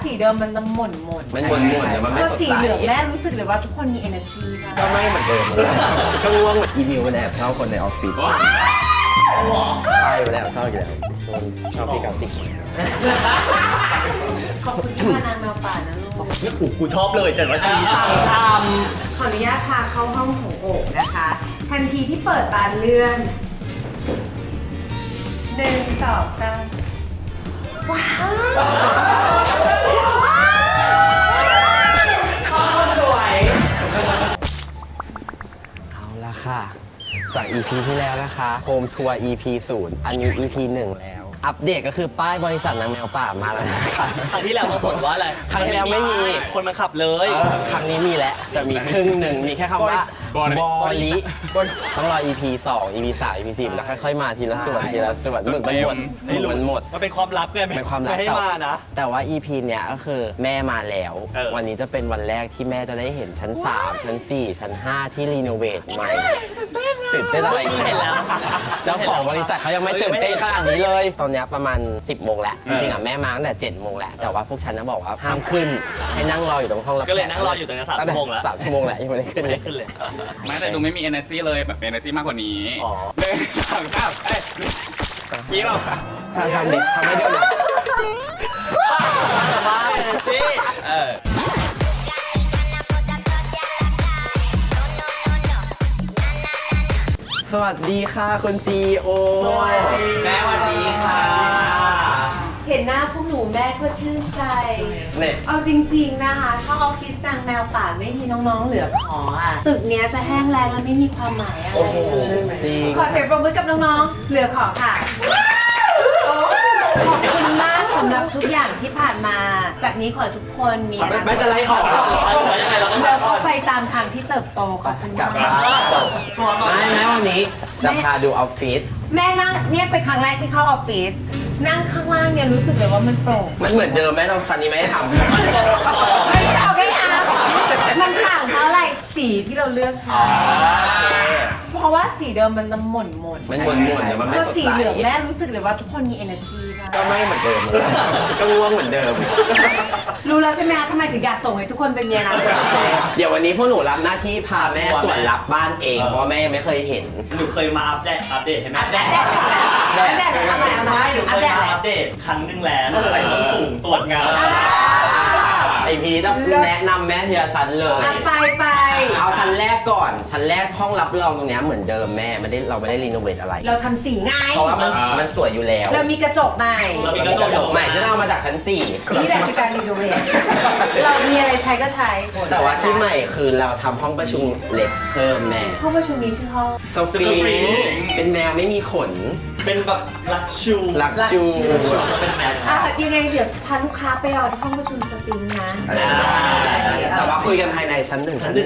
สีเดิมมันจะหม่นมันหม่นแต่มันไม่สดใสสีเหลืองแม่รู้สึกเลยว่าทุกคนมี energy ก็ไม่เหมือนเดิมเลยก็ง่วงเหมือนอีมิวมันแอบชอบคนในออฟฟิศใช่ไปแล้วชอบอยู่แล้วชอบพี่กราฟิกขอบคุณที่มานานแมวป่านะลูกกูชอบเลยแต่ว่าชีสั่งชามขออนุญาตพาเข้าห้องของโอ่งนะคะ ทันทีที่เปิดบานเลื่อน1 2 3ว้าวสวยเอาละค่ะจาก EP ที่แล้วนะคะโฮมทัวร์ EP 0อันนี้ EP 1แล้วอัปเดตก็คือป้ายบริษัทนางแมวป่ามาแล้วนะคะครั้งที่แล้วมาบ่นว่าอะไรครั้งที่แล้วไม่มีคนมาขับเลยครั้งนี้มีแล้วแต่มีครึ่งหนึ่งมีแค่คำว่าบริต้องรอ EP 2 EP 3 EP 4แล้วค่อยๆมาทีละส่วนทีละส่วนหมึกมันหมดมันหมดมันเป็นความลับไงเป็นความลับไม่ให้มานะแต่ว่า EP เนี้ยก็คือแม่มาแล้วเออวันนี้จะเป็นวันแรกที่แม่จะได้เห็นชั้น 3 ชั้น 4 ชั้น 5 ที่รีโนเวทใหม่ตื่นเต้นอะไรเห็นแล้วเจ้าของบริษัทเขายังไม่ตื่นเต้นขนาดนี้เลย ตอนเนี้ยประมาณ 10 โมงแล้ว จริงๆอ่ะแม่มาตั้งแต่ 7 โมงแล้ว แต่ว่าพวกฉันนะบอกว่าห้ามขึ้น ให้นั่งรออยู่ตรงห้องรับแขก็เลยนั่งรออยู่ตรงนั้น3 ชั่วโมงแล้ว 3 ชั่วโมงแล้วยังไม่ได้ขึ้นไม่เลได้ยขึ้นเลยไม่แต่ดูไม่มี energy เลยแบบ energy มากกว่านี้อ๋อหนึ่งสองสามเอ้ยยิ้มออกค่ะทำดิทำให้ดูหน่อยบ้าเลยสิสวัสดีค่ะคุณ CEO สวัสดีแม่สวัสดีค่ะเห็นหน้าพวกหนูแม่ก็ชื่นใจเนี่ยเอาจริงๆนะคะ ถ้าออฟฟิศนางแมวป่าไม่มีน้องๆเหลือขออ่ะ ตึกเนี้ยจะแห้งแล้งและไม่มีความหมายอะไรเลยจริงขอเสียงปรบมือกับน้องๆ เหลือขอค่ะ ขอบคุณมากสำหรับทุกอย่างที่ผ่านมา จากนี้ขอให้ทุกคนมีอนาคตไม่จะไล่ออกแล้วก็ไปตามทางที่เติบโตขอบคุณมากไม่แม้วันนี้จะพาดูออฟฟิศแม่นั่งเนี่ยเป็นครั้งแรกที่เข้าออฟฟิศนั่งข้างล่างเนี่ยรู้สึกเลยว่ามันโปร่งมันเหมือนเดิมไหมตอนชั้นนี้ไม่ได้ทำไม่เอาไม่เอามันต่างเพราะอะไรสีที่เราเลือกใช้เพราะว่าสีเดิมมันจะหม่นมันหม่นแต่มันไม่ก็สดสีใสเหลืองแม่รู้สึกเลยว่าทุกคนมี energy ก็ไม่เหมือนเดิมเลยก็ง่วงเหมือนเดิมรู้แล้วใช่ไหมคะทำไมถึงอยากส่งให้ทุกคนเป็นเมียนะเดี๋ยววันนี้พวกหนูรับหน้าที่พาแม่ตรวจรับบ้านเองเพราะแม่ไม่เคยเห็นหนูเคยมาอัปเดตให้แม่อัปเดตเลยทำไมไม่หนูเคอัปยเดตมาเลยอัปเดตครั้งหนึงแล้วใส่ส้นสูงตรวจงานไอพีต้องแนะนำแม่ทีละชั้นเลยไปเอาชั้นแรกก่อน ชั้นแรกห้องรับรองตรงเนี้ยเหมือนเดิมแม่เราไม่ได้รีโนเวทอะไรเราทำสีไงเพราะว่ามันสวยอยู่แล้วเรามีกระจกใหม่เรามีกระจกใหม่ที่เราเอามาจากชั้นนี่แหละคือการรีโนเวทเรามีอะไรใช้ก็ใช้ 4 แต่ว่าที่ใหม่คือเราทำห้องประชุมเล็กเพิ่มแม่ห้องประชุมนี้ชื่อห้องโซฟีเป็นแมวไม่มีขนเป็นแบบลักชูลักชูเป็นแมวยังไงเดี๋ยวพาลูกค้าไปรอที่ห้องประชุมสตรีมนะแต่ว่าคุยกันภายในชั้น 1 ชั้น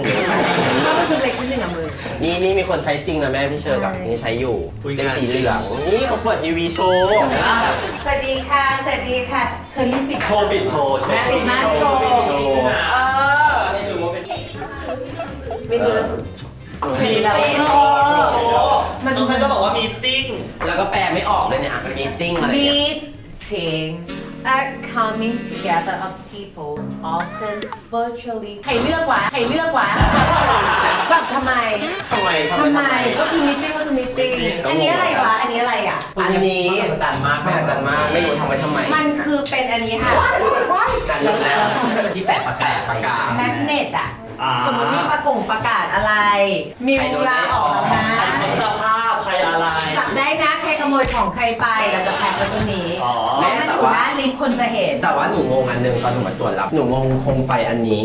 1 ห้องประชุมเล็กชั้นหนึ่งอ่ะมือนี่มีคนใช้จริงนะแม่พี่เชอร์กับนี่ใช้อยู่ เป็นสีเหลือง นี่เขาเปิดทีวีโชว์สวัสดีค่ะเชิญรีบปิดโชว์ปิดโชว์ปิดม่านโชว์ไม่รู้ว่าเป็นเมนูละสุดมีแล้วมันก็บอกว่ามีติ้งแล้วก็แปลไม่ออกเลยเนี่ยมีติ้งอะไรเนี่ย meeting a coming together of people often virtually ใครเลือกวะแบบทำไมก็คือ meeting ก็คือ meeting อันนี้อะไรวะอันนี้อะไรอ่ะอันนี้มหัศจรรย์มากมหัศจรรย์มากไม่รู้ทำไว้ทำไมมันคือเป็นอันนี้ค่ะนั่นแล้วที่แปะประกาศแมกเนตอ่ะสมมติมีประกาศอะไร มีเวลาออกแล้วนะสภาพใครอะไรจับได้นะใครขโมยของใครไปเราจะแพ็คไว้ตรงนี้แม่แล้วมันแต่อยู่ว่าหน้าลิฟต์คนจะเห็นแต่ว่าหนูงงอันหนึงตอนหนูมาตรวจรับหนูงงโคมไฟอันนี้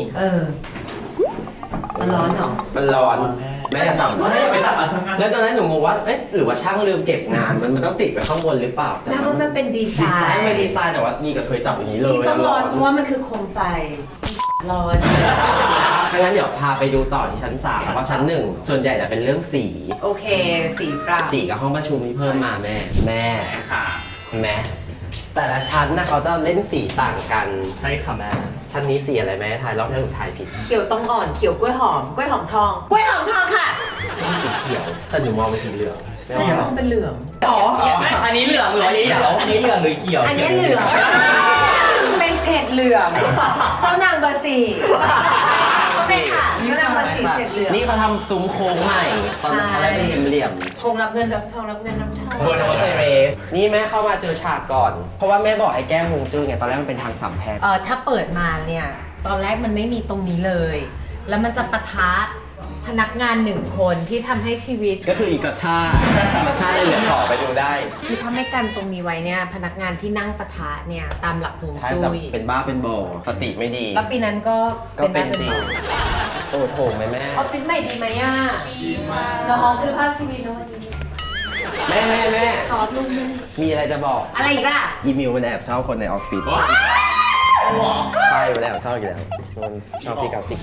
มันร้อนเหรอมันร้อนแม่จะจับไปจับมาทำงานแล้วตอนนั้นหนูงงว่าเอ๊ะหรือว่าช่างลืมเก็บงานมันต้องติดไว้ข้างบนหรือเปล่าแต่แม้ว่ามันเป็นดีไซดีไซน์น์ไม่ดีไซน์แต่ว่านี่ก็เคยจับอย่างนี้เลยที่ต้องร้อนเพราะว่ามันคือโคมไฟร้อนถ้างั้นเดี๋ยวพาไปดูต่อที่ชั้น 3เพราะชั้น 1 ส่วนใหญ่จะเป็นเรื่องสีโอเคสีปรับสีกับห้องประชุมที่เพิ่มมาแม่ค่ะแม่แต่ละชั้นนะเขาจะเล่นสีต่างกันใช่ค่ะแม่ชั้นนี้สีอะไรแม่ทายรอบแรกหนูทายผิดเขียวต้องอ่อนเขียวกล้วยหอมทองกล้วยหอมทองค่ะสีเขียวแต่หนูมองเป็นสีเหลืองแม่แต่ว่ามองเป็นเหลืองอันนี้เหลืองหรืออันนี้เหลืองหรือเขียวอันนี้เหลืองเป็นฉฉดเหลืองเจ้านางเบอร์สี่โอเคค่ะเจ้านางเบอร์สี่เฉดเหลืองนี่เขาทำซุ้มโค้งใหม่ตอนอะไรเป็นเหลี่ยมคงรับเงินรับทองรับเงินรับทองโบนอสไซเรสๆนี่แม่เข้ามาเจอฉากก่อน เพราะว่าแม่บอกไอ้แก้ฮวงจุ้ยไงตอนแรกมันเป็นทางสามแพร่งถ้าเปิดมาเนี่ย ตอนแรกมันไม่มีตรงนี้เลย แล้วมันจะปะทะพนักงานหนึ่งคนที่ทำให้ชีวิตก็คืออีกกระชาเลยเหลือขอไปดูได้คือถ้าไม่กันตรงนี้ไว้เนี่ย พนักงานที่นั่งปะทะเนี่ย ตามหลักฮวงใช่จุ้จะยเป็นบ้าเป็นบอสติไม่ดีแล้วปีนั้นก็ก็เป็นจริงบ้าโอ้โถไหมแม่ออฟฟิศใหม่ดีไหมอ่ะดีมากน้องคุณภาพชีวิตนะวันนี้แม่จอดลุงเลยมีอะไรจะบอกอะไรอีกล่ะอีมิวมันแอบชอบคนในออฟฟิศใช่มันแอบชอบอยู่แล้วมันชอบพี่กราฟิก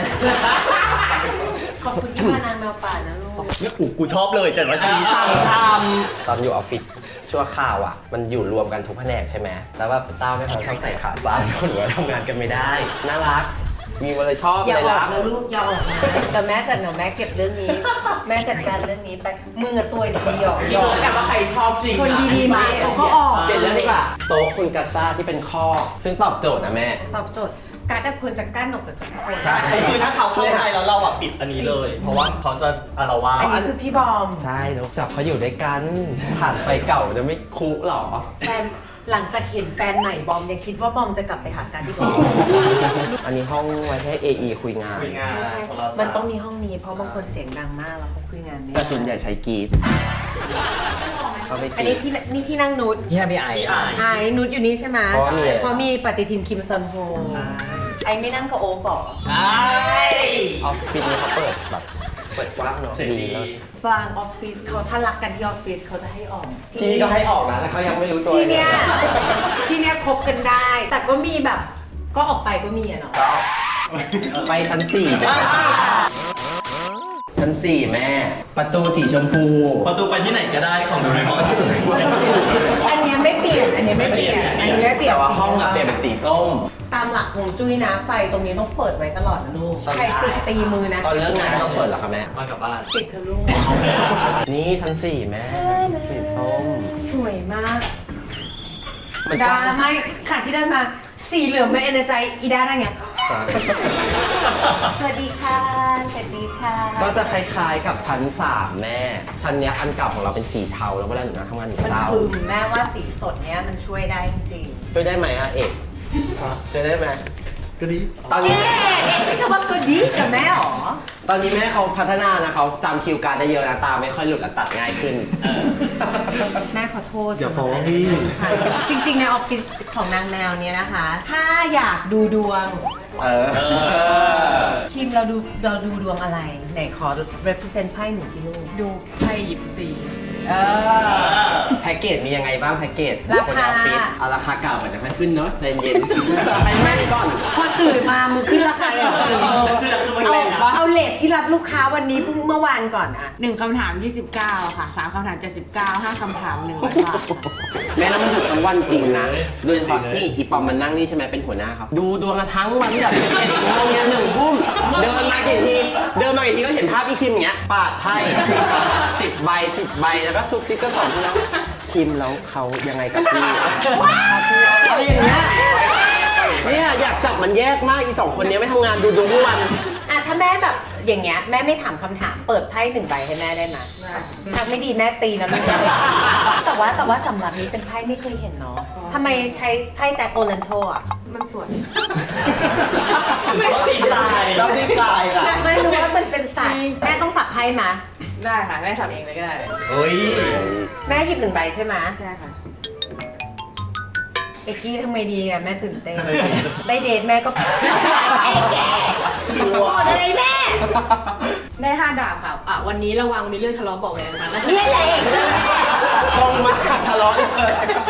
ขอบคุณที่พานางแมวป่านะลูกนี่กูชอบเลย700ทีสั่งชามตอนอยู่ออฟฟิศชั่วข่าวอ่ะ มันอยู่รวมกันทุกแผนกใช่ไหมแล้วแบบต้าไม่เขาชอบใส่ขาสั้นคนหัวทำงานกันไม่ได้ น่ารัก มีอะไรชอบอย่าอะไรออรักกนะลูกอย่าออกนะแต่แม่จัดหนูแม่เก็บเรื่องนี้ แม่จัดการเรื่องนี้ไปมึงอะตัวดีหยอกพี่รู้กันว่าใครชอบจริงคนดีๆมาเขาก็ออกเปลี่ยนเรื่องดีกว่าโต๊ะคุณกัสซ่าที่เป็นข้อ ซึ่งตอบโจทย์นะแม่ตอบโจทย์การที่ควรจะกั้นออกจากทุกคนใช่คือถ้าเขาเข้าใจแล้วเราอ่ะปิดอันนี้เลย เพราะว่าเขาจะอารวาสอันนี้คือพี่บอมใช่นกจับเขาอยู่ด้วยกันผ่านไปเก่าจะไม่คุหรอแฟนหลังจากเห็นแฟนใหม่บอมยังคิดว่าบอมจะกลับไปหากันที่บอมอันนี้ห้องไว้ให้ AE คุยงานคุยงานไม่ใช่โทรศัพท์มันต้องมีห้องนี้เพราะบางคนเสียงดังมากแล้วเขาคุยงานไม่แต่ได้ส่วนใหญ่ใช้กรีดเขาไม่กอันรีนี้ดที่นั่งนุชพี่ไอไอ้นุชอยู่นี่ใช่ไหมเพราะว่ามีอะไรเพราะมีปฏิทินคิมซอนโฮใช่ไอ้ไม่นั่งกับโอ๊คเหรอใช่ออฟฟิศนี้เขาเปิดแบบเปิดกว้างเนาะเสร็จดีดีแล้วบางออฟฟิศเขาถ้ารักกันที่ออฟฟิศเขาจะให้ออกที่นี่ก็ให้ออกนะแต่เขายังไม่รู้ตัวที่เนี้ยลที่เนี้ยคบกันได้ แต่ก็มีแบบก็ออกไปก็มีอะเนาะไปชั้น4ดีกว่าชั้น 4 แม่ ประตูสีชมพูประตูไปที่ไหนก็ได้ของโดเรมอนอันเนี้ยไม่เปลี่ยนอันเนี้ยไม่เปลี่ยนอันนี้ไม่เปลี่ยนแต่ว่าห้องอะเปลี่ยนเป็นสีส้มตามหลักฮวงจุ้ยนะไฟตรงนี้ต้องเปิดไว้ตลอดนะลูกใครติดตีมือนะตอนเลิกงานก็ต้องเปิดเหรอคะแม่มากลับบ้านติดเธอะลูกนี่ชั้น 4 แม่สีส้มสวยมากมันดาไม่ขาดที่ได้มาสีเหลืองเป็นเอเนอร์ใจอีด้าได้ไงสวัสดีค่ะสวัสดีค่ะก็จะคล้ายๆกับชั้น 3 แม่ ชั้นเนี้ยอันเก่าของเราเป็นสีเทาแล้วเวลาหนูนั่งทำงานหนูมันเศร้าคือแม่ว่าสีสดเนี้ยมันช่วยได้จริงช่วยได้ไหมอะเอกช่วยได้ไหมก็ดีตอนๆนี้เอ๊ะใช้คำว่าก็ดีกับแม่หรอตอนนี้แม่เขาพัฒนานะเขาจำคิวการดได้เยอะนะตาไม่ค่อยหลุดและตัดง่ายขึ้นแม่ขอโทษอย่าฟ้องพี่จริงๆในออฟฟิศของนางแมวเนี้ยนะคะ ถ้าอยากดูดวงเออคิมเราดูดวงอะไร ไหนขอ represent ไพ่หนึ่งที่ลูกดูไพ่หยิบสี่เออแพ็กเกจมียังไงบ้างแพ็กเกจราคานในออฟฟิศเอาราคาเก่าก่อนจะค่อยขึ้นเนาะใจเย็นไปแม่นก่อนพอสื่อมามึงขึ้นราคาเลยเหรอคือมันเอาแรงนะเอาเลทที่รับลูกค้าวันนี้เพิ่งเมื่อวานก่อนอะ 1 คำถาม 29 ค่ะ 3 คำถาม 79 5 คำถาม 100 บาทค่ะแม่แล้วมันอยู่ทั้งวันจริงนะโดยเฉพาะนี่อีปอมมันนั่งนี่ใช่ไหมเป็นหัวหน้าครับดูดวงกันทั้งวันแบบ11 โมงยัน1 ทุ่มเดินมากี่ทีก็เห็นภาพพี่คิมอย่างเงี้ยปาดไพ่10 ใบแล้วก็ซุบซิบก็สอนพี่แล้วคิมแล้วเขายังไงกับพี่อะไรอย่างเงี้ยเนี่ยอยากจับมันแยกมากอี2 คนเนี้ยไม่ทำงานดูดวงทุกวันอะถ้าแม่แบบอย่างเงี้ยแม่ไม่ถามคำถามเปิดไพ่หนึ่งใบให้แม่ได้ไหมทางไม่ดีแม่ตีนะลูกแต่ว่าสำหรับนี้เป็นไพ่ไม่เคยเห็นเนาะทำไมใช้ไพ่แจ็คโอเลนโทอะมันสวยชอบดีไซน์แล้วดีไซน์อะไม่รู้ว่ามันเป็นสัตว์แม่ต้องสับไพ่มาได้ค่ะ แม่ทำเองเลยก็ได้เฮ้ยแม่หยิบ1 ใบใช่ไหมได้ค่ะเอ็กกี้ทำไมดีอะแม่ตื่นเต้นได้เดทแม่ก็เอ็กกี้โกรธอะไรแม่ได้ 5 ดาบค่ะ วันนี้ระวังมีเรื่องทะเลาะเบาะแวงกันนะคะเนี่ยแหละเอ็กกี้ลงมาขัดทะเลาะเลย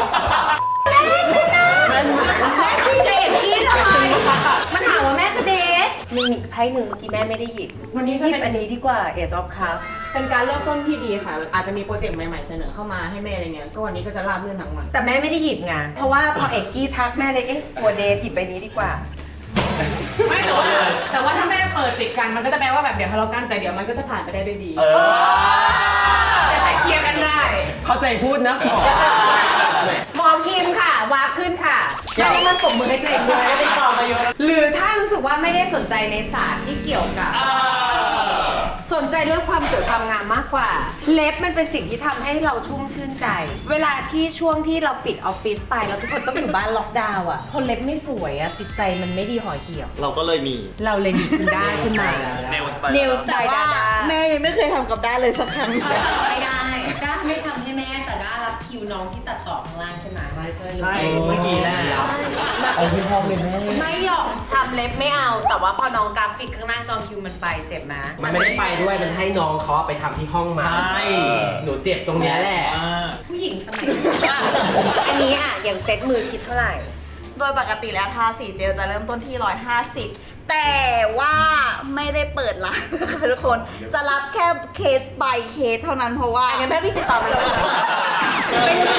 แม่นมากแม่คุยกับเอ็กกี้ทำไมมันถามว่าแม่จะเดทมีไพ่หนึ่งเมื่อกี้แม่ไม่ได้หยิบวันนี้หยิบอันนี้ดีกว่าเอซอฟคัพเป็นการเริ่มต้นที่ดีค่ะ อาจจะมีโปรเจกต์ใหม่ๆเสนอเข้ามาให้แม่อะไรเงี้ย ก็วันนี้ก็จะราบรื่นทั้งวันแต่แม่ไม่ได้หยิบไงเพราะว่าพอเอ็กกี้ทักแม่เลยเอ๊ะกลัวเดทหยิบใบนี้ดีกว่าไม่แต่ว่าถ้าแม่เปิดติดกันมันก็จะแปลว่าแบบเดี๋ยวทะเลาะกันแต่เดี๋ยวมันก็จะผ่านไปได้ด้วยดี แต่เคลียร์กันได้เข้าใจพูดนะหมอคิมค่ะวาขึ้นค่ะแล้วมันปรบมือให้ตัวเองด้วยติดต่อมาเยอะหรือถ้ารู้สึกว่าไม่ได้สนใจในศาสตร์ที่เกี่ยวกับ สนใจเรื่องความสวยความงามมากกว่า เล็บมันเป็นสิ่งที่ทำให้เราชุ่มชื่นใจ เวลาที่ช่วงที่เราปิดออฟฟิศไปแล้วทุกคนต้องอยู่บ้านล็อกดาวน์อ่ะคนเล็บไม่สวยอ่ะจิตใจมันไม่ดีห่อเหี่ยวเราก็เลยมีเราเลยมีขึ้นได้ขึ้นมา Nail Style เนลสไตแต่ล์ว่าดาแม่ยังไม่เคยทำกับด้าเลยสักครั้งไม่ได้ด้าไม่ทำให้แม่แต่ด้ารับคิวน้องที่ตัดต่อข้างล่างใช่ไหมใช่เมื่อกี้แหละเอาที่พ่อเลยแม่ไม่ยอมทำเล็บไม่เอา แต่ว่าพอน้องกราฟิกข้างหน้าจองคิวมันไปเจ็บไหมมันไม่ได้ไปด้วย มันให้น้องเขาไปทำที่ห้องมาใช่หนูเจ็บตรงเนี้ยแหละผู้หญิงสมัยนี้อันนี้อ่ะอย่างเซ็ตมือคิดเท่าไหร่โดยปกติแล้วทาสีเจลจะเริ่มต้นที่ 150 แต่ว่าไม่ได้เปิดร้านนะคะทุกคน จะรับแค่เคส by เคสเท่านั้นเพราะว่าอันนี้แม่ที่ติดต่อมาเลยไม่ใช่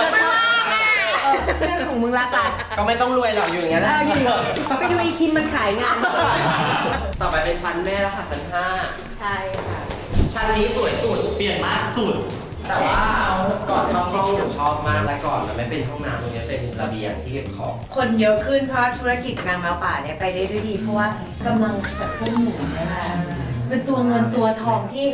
เรื่องของมึงละกันก็ไม่ต้องรวยหรอกอยู่อย่างนั้นแหละไปดูอีคิมมันขายงานต่อไปเป็นชั้นแม่แล้วค่ะชั้นใช่ค่ะ 5ชั้นนี้สวยสุดเปลี่ยนมากสุดแต่ว่าก่อนเข้าห้องหนูชอบมากแต่ก่อนมันไม่เป็นห้องน้ำตรงนี้เป็นระเบียงที่เก็บของคนเยอะขึ้นเพราะธุรกิจนางแมวป่าเนี่ยไปได้ด้วยดี เพราะว่ากำลังจะพุ่งหมุนนะคะเป็นตัวเงินตัวทองที่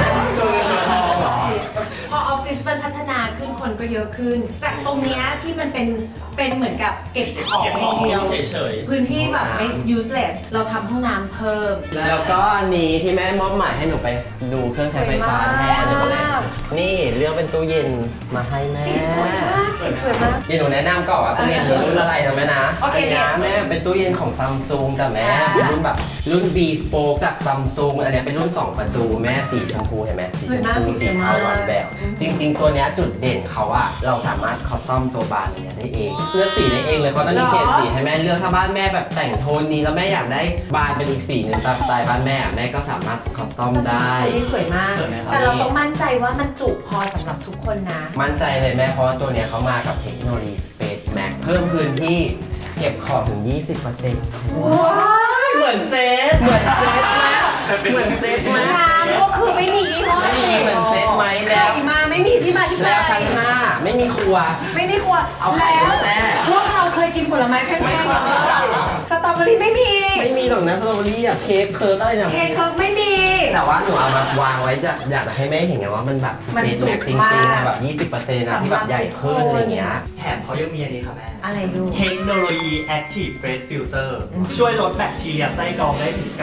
พอออฟฟิศมันพัฒนาขึ้นคนก็เยอะขึ้น จากตรงเนี้ยที่มันเป็นเหมือนกับเก็บของอย่างเดียวเฉยพื้นที่แบบไม่ useless เราทำห้องน้ำเพิ่มแล้วก็อันนี้ที่แม่มอบหมายให้หนูไปดูเครื่องใช้ไฟฟ้าแทนหนูเลยนี่เลือกเป็นตู้เย็นมาให้แม่สีสวยมากสีสวยมากเดี๋ยวหนูแนะนำก่อนว่าตู้เย็นมีรุ่นอะไรนะแม่นะโอเคนนี้นะแม่เป็นตู้เย็นของซัมซุงแต่แม่เป็นรุ่นแบบรุ่น B Spoke จากซัมซุงอันเนี้ยเป็นรุ่น 2 ประตูแม่สีชมพูเห็นไหมสีชมพูสีเทาหวานแบบ จริง ๆ ตัวเนี้ยจุดเด่นเขาอะเราสามารถคัสตอมตัวบานเนี้ยได้เองเลือกสีได้เองเลยเขาต้องมีเฉดสีให้แม่เลือกถ้าบ้านแม่แบบแต่งโทนนี้แล้วแม่อยากได้บานเป็นอีกสีหนึ่งตามสไตล์บ้านแม่อะแม่ก็สามารถคัสตอมได้อันนี้สวยมากสวยไหมครับแต่เราต้องมั่นใจว่ามันจุพอสำหรับทุกคนนะมั่นใจเลยแม่เพราะว่าตัวเนี้ยเขามากับเทคโนโลยี Space Max เพิ่มพื้นที่เก็บของถึง 20% ว้ายเหมือนเซตเหมือนเซตไหมเหมือนเซตไหมน้ำก็คือไม่มียี่ห้อไม่มีเหมือนเซตไหมแล้วใครมาไม่มีที่มาที่ไปแล้วชั้น5ไม่มีครัวไม่มีครัวเอาไข่แล้วมาแช่พวกเราเคยกินผลไม้แพงไม่ๆเคยสตรอเบอรี่ไม่มีไม่มีหรอกนะสตรอเบอรี่อะเค้กเคิร์กอะไรเนี่ยเค้กเคิร์กไม่มีแต่ว่าหนูเอามาวางไว้อยากจะให้แม่เห็นไงว่ามันแบบมันเป็นจุแม็กกจริงมากๆนะแบบ 20%นะที่แบบใหญ่ขึ้นอะไรเงี้ยแถมเขายังมีอันนี้ค่ะแม่อะไรดูเทคโนโลยี Active Face Filter ช่วยลดแบคทีเรียไส้กรองได้ถึง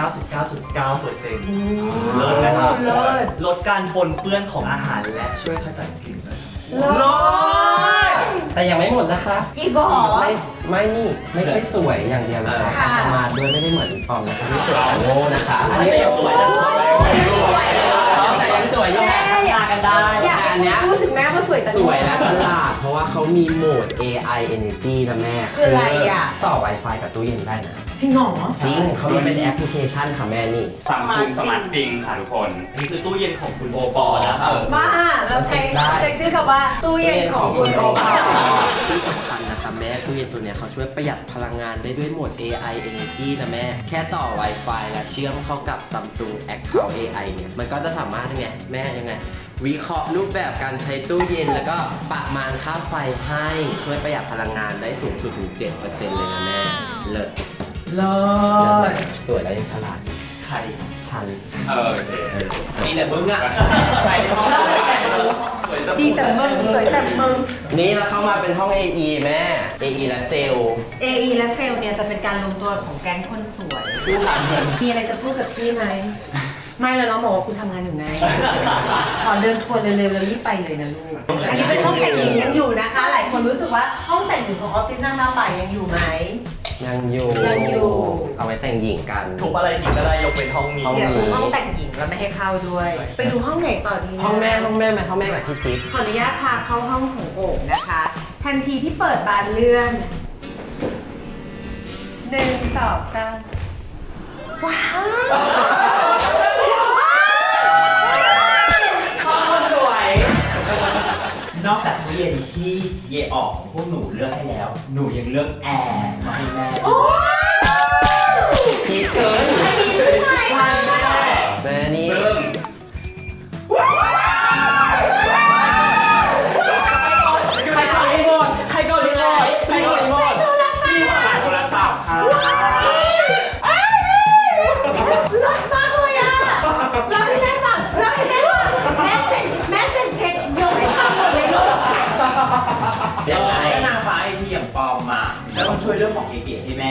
99.9% เลิศนะครับเลิศลดการปนเปื้อนของอาหารและช่วยขจัดกลิ่นด้วยเลิศแต่ยังไม่หมดนะคะอีกเหรอไม่นี่ไม่ใช่สวยอย่างเดียวนะคะค่ะสมาร์ทด้วยไม่ได้เหมือนปอมนะคะที่สวยแต่โง่นะคะอันนี้แต่ยังสวยนะแต่ยังสวยอยู่แม่ทากันได้อยากอันเนี้ยพูดถึงแม่ว่าสวยแต่สวยและฉลาดเพราะว่าเขามีโหมด AI Energy นะแม่คืออะไรอ่ะต่อ Wi-Fi กับตู้เย็นได้นะจริงเหรอจริงเขามีเป็นแอปพลิเคชันค่ะแม่นี่ซัมซุงสมาร์ทปิงค่ะทุกคนนี่คือตู้เย็นของคุณโอปอนะครับว่าเราใช้ชื่อคำว่าตู้เย็นของคุณโอปอที่สำคัญนะคะแม่ตู้เย็นตัวเนี้ยเขาช่วยประหยัดพลังงานได้ด้วยโหมด AI Energy นะแม่ แค่ต่อ Wi-Fi และเชื่อมเข้ากับ Samsung Account AI เนี่ยมันก็จะสามารถยังไงแม่ยังไง วิเคราะห์รูปแบบการใช้ตู้เย็นแล้วก็ประมาณค่าไฟให้ช่วยประหยัดพลังงานได้สูงสุดถึง 7% เลยนะแม่เลิศเลิศสวยแล้วยังฉลาดใครชันโอเคนี่แหละมึงอ่ะไปในห้องสวยแต่งสวยจะดีแต่มึงสวยแต่มึงนี่เราเข้ามาเป็นห้อง AE แม่ AE และเซลล์ AE และเซลล์เนี่ยจะเป็นการรวมตัวของแก๊งคนสวย มีอะไรจะพูดกับพี่ไหม ไม่แล้วน้องบอกว่าคุณทำงานอยู่ไง ขอเดินทัวร์เร็วๆแล้วรีบไปเลยนะลูก อันนี้เป็นห้องแต่งหญิงยังอยู่นะคะ หลายคนรู้สึกว่าห้องแต่งหญิงของออฟฟิศนางแมวป่ายังอยู่ไหมยังอยู่ยังอยู่เอาไว้แต่งหญิงกันทุบอะไรกินก็ได้ยกเป็นห้องนี้เดี๋ยวห้องแต่งหญิงเราไม่ให้เข้าด้วย ไปดูห้องไหนต่อดีนะห้องแม่ห้องแม่กับพี่จิ๊บขออนุญาตพาเข้าห้องของโอ่งนะคะ ทันทีที่เปิดบานเลื่อน1 2 3ว้าวสวย นอกจากตู้เย็นที่เยออกของพวกหนูเลือกให้แล้ว หนูยังเลือกแอร์มาให้แม่พีเกินใช่แม่แม่นี่ซึ่งใครกดรีโมทใครกดรีโมทใครกดรีโมท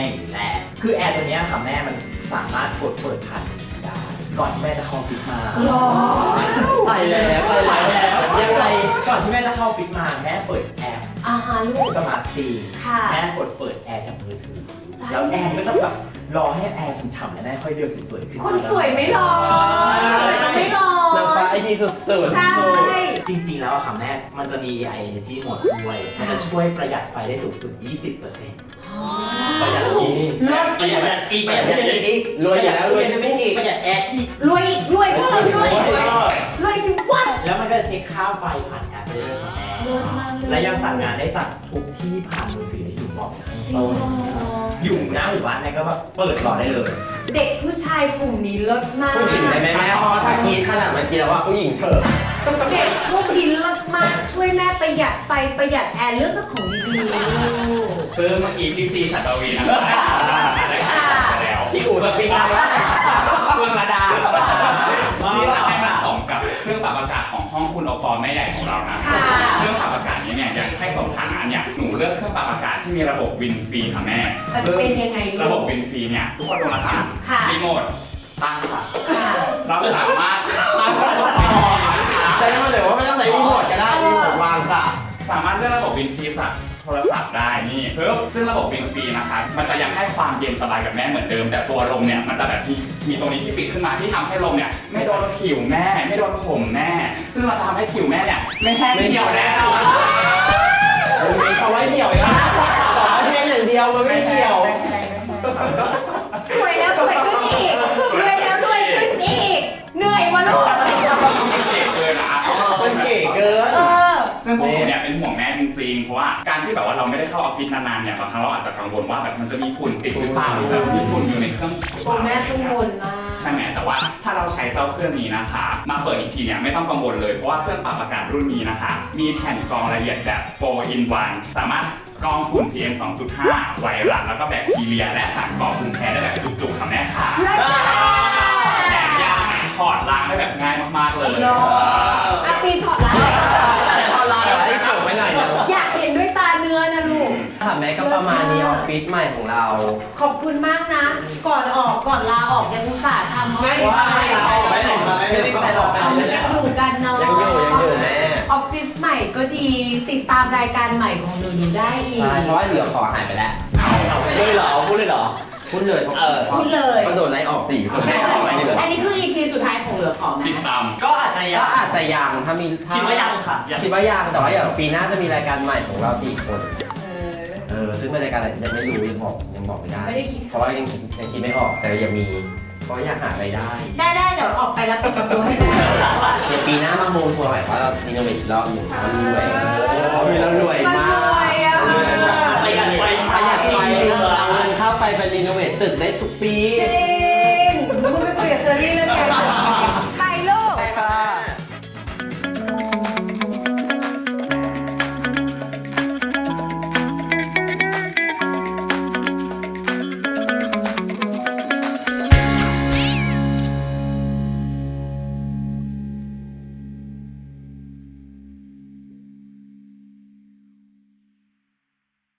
อยู่แล้วคือแอร์ตัวเนี้ยค่ะแม่มันสามารถกดเปิดผ่านได้ก่อนที่แม่จะเข้าฟิตมาไปแล้วยังไงก่อนที่แม่จะเข้าฟิตมาแม่เปิดแอปลูกสมาร์ทตีค่ะแม่กดเปิดแอร์จากมือถือแล้วแอร์ก็จะแบบรอให้แอร์ฉ่ำๆแล้วแม่ค่อยเดินสวยๆขึ้นคนสวยไม่รอสวยไม่รอนางฟ้าไอทีสุดๆใช่จริงๆแล้วอะค่ะแม่มันจะมี AI Energy Mode ด้วยมันจะช่วยประหยัดไฟได้สูงสุด 20% ประหยัดอีกประหยัดอีกประหยัดอีกรวยอยู่แล้วรวยจะไม่อีกประหยัดแอร์อีกรวยอีกรวยก็เลยรวยรวยสิวะแล้วมันก็เช็คค่าไฟผ่านแอปได้ด้วยค่ะแม่และยังสั่งงานได้สั่งทุกที่ผ่านมือถือที่อยู่บอกข้างต้นอยู่หน้าหมู่บ้านแม่ก็แบบเปิดรอได้เลยเด็กผู้ชายกลุ่มนี้เลิศมากผู้หญิงได้ไหมแม่เพราะว่าถ้ากินขนาดเมื่อกี้แล้วว่าผู้หญิงเถอะเด็กพวกนี้เลิศมากช่วยแม่ประหยัดไฟประหยัดแอร์เลือกแต่ของดีๆลูกซึ่งเมื่อกี้พี่ซีชัตวีนะครับได้ขายไปแล้วพี่อู๋สปิงได้ว่าเครื่องระดาที่จะให้มาส่งกับเครื่องปรับอากาศของห้องคุณโอปอลแม่ใหญ่ของเรานะเครื่องปรับอากาศนี้เนี่ยยังให้สมฐานะเนี่ยหนูเลือกเครื่องปรับอากาศที่มีระบบวินฟรีค่ะแม่มันเป็นยังไงลูกระบบวินฟรีเนี่ยทุกคนดูนะคะค่ะรีโมทตั้งค่ะค่ะเราสามารถตั้งระบบแต่ถ้ามันเหลือว่าไม่ต้องใช้รีโมทก็ได้รีโมทวางค่ะสามารถเลือกระบบวินฟรีจากโทรศัพท์ได้นี่เพิ่มซึ่งระบบวินฟรีนะคะมันจะยังให้ความเย็นสบายกับแม่เหมือนเดิม แต่ตัวลมเนี่ยมันจะแบบมีตรงนี้ที่ปิดขึ้นมาที่ทำให้ลมเนี่ยไม่โดนผิวแม่ไม่โดนผมแม่ ซึ่งมันจะทำให้ผิวแม่เนี่ยไม่แห้งเหี่ยวแน่นอนมันมีคำว่าเหี่ยวอีกแล้วนะต่อให้เป็นอย่างเดียวมันไม่เหี่ยวสวยแล้วสวยขึ้นอีกรวยแล้วรวยขึ้นอีกเหนื่อยวะลูกมันเก๋เกินนะมันเก๋เกินซึ่งพวกผมเนี่ยเป็นห่วงแม่จริงๆเพราะว่าการที่แบบว่าเราไม่ได้เข้าออฟฟิศนานๆเนี่ยบางครั้งเราอาจจะกังวลว่าแบบมันจะมีฝุ่นติดหรือเปล่าหรือแบบมีฝุ่นอยู่ในเครื่องโอ้แม่กังวลมากใช่ไหมแต่ว่าถ้าเราใช้เจ้าเครื่องนี้นะคะ มาเปิดอีกทีเนี่ยไม่ต้องกังวลเลยเพราะว่าเครื่องปรับอากาศรุ่นนี้นะคะ มีแผ่นกรองละเอียดแบบ 4 in 1 สามารถกรองฝุ่น PM 2.5 ไวรัสแล้วก็แบคทีเรีย และสารก่อภูมิแพ้ได้แบบจุกๆค่ะแม่ค่ะแถมยังถอดล้างได้แบบง่ายมากๆเลยอ่ะปีถอดล้างพอลาให้ส่งไปหน่อยนะอยากเห็นด้วยตาเนื้อนะลูกค่ะแม่ก็ประมาณนี้ออฟฟิศใหม่ของเราขอบคุณมากนะ ก่อนลาออกยังอุตส่าห์ทำไม่ลาออกไม่ได้ออกเอายังอยู่กันเนาะยังอยู่แม่ออฟฟิศใหม่ก็ดี ติดตามรายการใหม่ของหนูได้อีกใช่เพราะว่าเหลือขอหายไปแล้วเลยเหรอพูดเลยเหรอพูดเลยพูดเลยก็โดนไล่ออก4 คนไม่ออกไปดีกว่าอันนี้คือ EP สุดท้ายของเหลือขอไหมติดตามก็อาจจะยัก็งอาจจะยังถ้ามีคิดว่ายังค่ะคิดว่ายังแต่ว่าอย่างปีหน้าจะมีรายการใหม่ของเรา4 คนซึ่งเป็นรายการอะไรยังไม่รู้ยังบอกไม่ได้ไม่ได้คิดเพราะว่ายังคิดไม่ออกแต่ยังมีเพราะอยากหารายได้ได้เดี๋ยวออกไปแล้วเปิดประตูให้ได้เดี๋ยวปีหน้ามาโมทัวร์ใหม่ว่าเราอินโนเวทอีกรอบหนึ่งเรารวยมากประหยัดไฟประหยัดไฟเอาเงินเข้าไปเป็นรีโนเวทตึกได้ทุกปีจริงมึงไปคุยกับเชอรี่เรื่องการ